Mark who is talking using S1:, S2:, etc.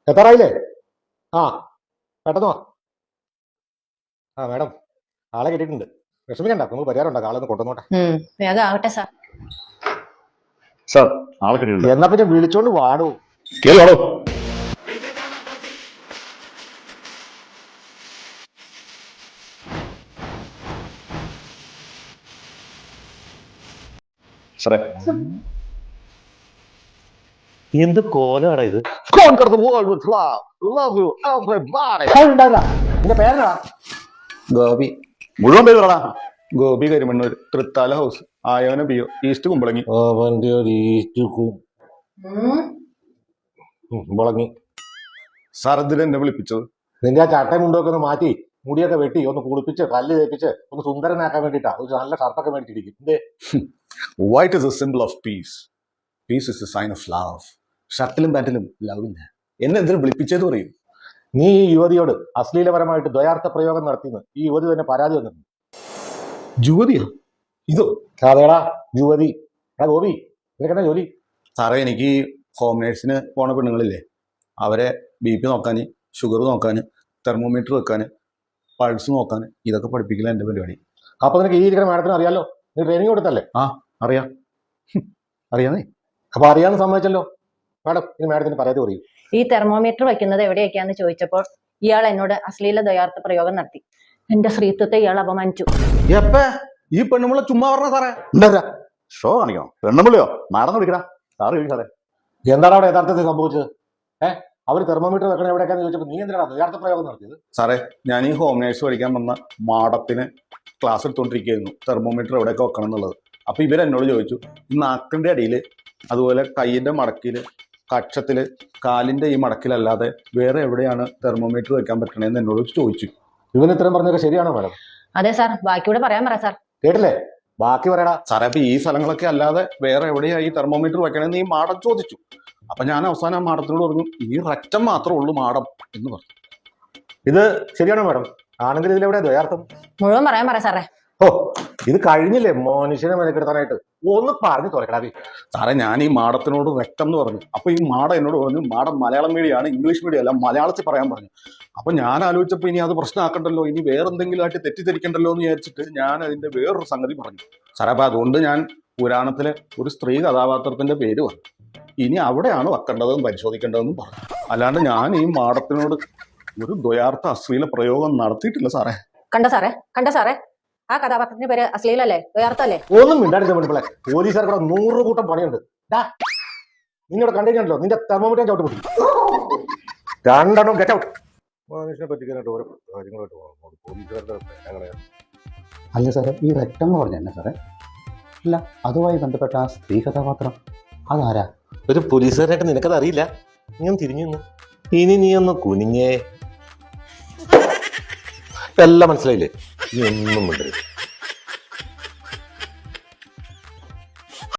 S1: എത്താറായില്ലേ? ആ പെട്ടെന്ന് വാ. ആ മാഡം, ആളെ കിട്ടിയിട്ടുണ്ട്. വിഷമിക്കണ്ട, നമുക്ക് പരിഹാരം ഉണ്ടാക്കാം. ആളൊന്ന് കൊണ്ടുവന്നോട്ടെ.
S2: വേഗം ആവട്ടെ സാർ.
S3: സാർ ആളെ കിട്ടിയിട്ടുണ്ട്.
S1: എന്നാ പിന്നെ വിളിച്ചോണ്ട് വാടൂ.
S3: കേറി വാടോ. സാറേ എന്ത് കോലാടാ ഇത്?
S1: നിന്റെ പേരെന്താ?
S4: ഗോപി.
S3: മുഴുവൻ പേര് പറടാ.
S4: ഗോപി കരിമണ്ണൂർ, തൃത്താല ഹൗസ്, ആയോന പിയോ, ഈസ്റ്റ് കുമ്പളങ്ങി.
S1: മുളങ്ങി.
S4: സാർ എന്തിനാ എന്നെ വിളിപ്പിച്ചത്?
S1: നിന്റെ ആ ചട്ടയും മുണ്ടൊക്കെ ഒന്ന് മാറ്റി മുടിയൊക്കെ വെട്ടി ഒന്ന് കുളിപ്പിച്ച് കല്ല് തേപ്പിച്ച് ഒന്ന് സുന്ദരനാക്കാൻ വേണ്ടിട്ടാ. ഒരു നല്ല ഷർട്ടൊക്കെ മേടിച്ചിരിക്കും. എന്തേ?
S4: White is a simple of peace. Peace is a sign of love. ഷർട്ടിലും പാന്റിലും ലവ് ഇല്ല. എന്നെ എന്തിനു വിളിപ്പിച്ചത് പറയും?
S1: നീ ഈ യുവതിയോട് അശ്ലീലപരമായിട്ട് ദ്വയാർത്ഥ പ്രയോഗം നടത്തിയെന്ന് ഈ യുവതി തന്നെ പരാതി വന്നിട്ടുണ്ട്.
S4: യുവതിയോ? ഇതോ?
S1: അതേടാ യുവതി. എടാ ഗോപി, നിനക്കെന്നാ ജോലി?
S4: സാറേ, എനിക്ക് ഹോം നേഴ്സിന് പോണ പെണ്ണുങ്ങളില്ലേ, അവരെ BP നോക്കാൻ, ഷുഗർ നോക്കാൻ, തെർമോമീറ്റർ വെക്കാൻ, പൾസ് നോക്കാൻ, ഇതൊക്കെ പഠിപ്പിക്കില്ല എൻ്റെ പരിപാടി.
S1: അപ്പൊ നിനക്ക് ഈ ഇരിക്കുന്ന മാഡത്തിന് അറിയാലോ? നീ ട്രെയിനിങ് കൊടുത്തല്ലേ?
S4: ആ അറിയാം. അറിയാന്നേ.
S1: അപ്പൊ അറിയാന്ന് സമ്മതിച്ചല്ലോ. മാഡം, ഇനി മാഡത്തിന് പരാതി പറയൂ.
S2: ഈ തെർമോമീറ്റർ വെക്കുന്നത് എവിടെയൊക്കെയാന്ന് ചോദിച്ചപ്പോൾ ഇയാൾ എന്നോട് അശ്ലീല ദ്വയാർത്ഥ പ്രയോഗം നടത്തി. എന്റെ സ്ത്രീത്വത്തെ ഇയാൾ അപമാനിച്ചു.
S4: എപ്പ ഈ പെണ്ണുമുള്ള ചുമ്മാ പറഞ്ഞ സാറേ?
S3: ഉണ്ടാ ഷോ കാണിക്കണോ? പെണ്ണുമ്പിളിയോ? നടന്നു വിളിക്കടാ. സാറ് ചോദിക്കും സാറേ.
S1: എന്താണ് അവിടെ യഥാർത്ഥത്തിൽ സംഭവിച്ചത്? അവര് തെർമോമീറ്റർ വെക്കണ എവിടെയൊക്കെയാന്ന് ചോദിച്ചപ്പോൾ നീ എന്തിനാണ് ദ്വയാർത്ഥ പ്രയോഗം നടത്തിയത്?
S4: സാറേ, ഞാൻ ഈ ഹോം നേഴ്സ് പഠിക്കാൻ വന്ന മാഡത്തിന് ക്ലാസ് എടുത്തോണ്ടിരിക്കുകയായിരുന്നു തെർമോമീറ്റർ എവിടെയൊക്കെ വെക്കണം എന്നുള്ളത്. അപ്പൊ ഇവരെന്നോട് ചോദിച്ചു, ഈ നാക്കിന്റെ അടിയിൽ, അതുപോലെ കൈയിന്റെ മടക്കില്, കക്ഷത്തില്, കാലിന്റെ ഈ മടക്കിലല്ലാതെ വേറെ എവിടെയാണ് തെർമോമീറ്റർ വെക്കാൻ പറ്റണേന്ന് എന്നോട് ചോദിച്ചു.
S1: ഇവന് ഇത്രയും പറഞ്ഞൊക്കെ ശരിയാണോ മാഡം?
S2: അതെ സാർ, ബാക്കിയൂടെ പറയാൻ പറ സാർ.
S1: കേട്ടില്ലേ? ബാക്കി പറയടാ.
S4: സാറേ, അപ്പൊ ഈ സ്ഥലങ്ങളൊക്കെ അല്ലാതെ വേറെ എവിടെയാ ഈ തെർമോമീറ്റർ വെക്കണേന്ന് ഈ മാഡം ചോദിച്ചു. അപ്പൊ ഞാൻ അവസാനം ആ മാഡത്തിനോട് പറഞ്ഞു, ഈ റക്റ്റം മാത്രമേ ഉള്ളൂ മാഡം എന്ന് പറഞ്ഞു.
S1: ഇത് ശരിയാണോ മാഡം? ആണെങ്കിൽ ഇതിലെവിടെ ദ്വയാർത്ഥം?
S2: മുഴുവൻ പറയാൻ പറ സാറേ.
S1: ഓ, ഇത് കഴിഞ്ഞില്ലേ മനുഷ്യനെ മെനക്കെടുത്താനായിട്ട്? ഒന്ന് പറഞ്ഞു തുറക്കടാ.
S4: സാറേ, ഞാൻ ഈ മാഡത്തിനോട് റക്റ്റം എന്ന് പറഞ്ഞു. അപ്പൊ ഈ മാഡം എന്നോട് പറഞ്ഞു, മാഡം മലയാളം മീഡിയമാണ്, ഇംഗ്ലീഷ് മീഡിയം അല്ല, മലയാളത്തിൽ പറയാൻ പറഞ്ഞു. അപ്പൊ ഞാൻ ആലോചിച്ചപ്പോൾ ഇനി അത് പ്രശ്നമാക്കണ്ടല്ലോ, ഇനി വേറെന്തെങ്കിലും ആയിട്ട് തെറ്റിദ്ധരിക്കണ്ടല്ലോ എന്ന് വിചാരിച്ചിട്ട് ഞാൻ അതിന്റെ വേറൊരു സംഗതി പറഞ്ഞു. സാറേ, അപ്പൊ അതുകൊണ്ട് ഞാൻ പുരാണത്തിലെ ഒരു സ്ത്രീ കഥാപാത്രത്തിന്റെ പേര് പറഞ്ഞു. ഇനി അവിടെയാണ് വെക്കേണ്ടതെന്ന് പരിശോധിക്കേണ്ടതെന്നും പറഞ്ഞു. അല്ലാണ്ട് ഞാൻ ഈ മാഡത്തിനോട് ഒരു ദ്വയാർത്ഥ അശ്ലീല പ്രയോഗം നടത്തിയിട്ടില്ല സാറേ.
S2: കണ്ട സാറേ, ആ കഥാപാത്രത്തിന്റെ പേര് അശ്ലീലല്ലേ, ദ്വയാർത്ഥല്ലേ?
S1: ഒന്നും മിണ്ടാടില്ല പെൺപിള്ളെ. പോലീസുകാർക്ക് 100 കൂട്ടം പണിയുണ്ട്. നിന്നോട് കണ്ടിട്ടുണ്ടല്ലോ, നിന്റെ തെർമോമീറ്റർ ചവിട്ട് പൊട്ടി. രണ്ടെണ്ണം ഗെറ്റ് ഔട്ട്. മനുഷ്യനെ പറ്റിക്കാനായിട്ട് ഓരോ കാര്യങ്ങളായിട്ട് പോലീസുകാരുടെ അങ്ങനെ.
S5: അല്ല സാറേ, ഈ റെക്റ്റം എന്ന് പറഞ്ഞ എന്നാ സാറേ? അല്ല, അതുമായി ബന്ധപ്പെട്ട ആ സ്ത്രീ കഥാപാത്രം അതാരാ?
S1: ഒരു പോലീസുകാരായിട്ട് നിനക്കത് അറിയില്ല? നീ ഒന്ന് തിരിഞ്ഞു നിന്ന്. ഇനി നീ ഒന്ന് കുനിഞ്ഞേ. എല്ലാം മനസ്സിലായില്ലേ? നീ ഒന്നും മിണ്ടരുത്.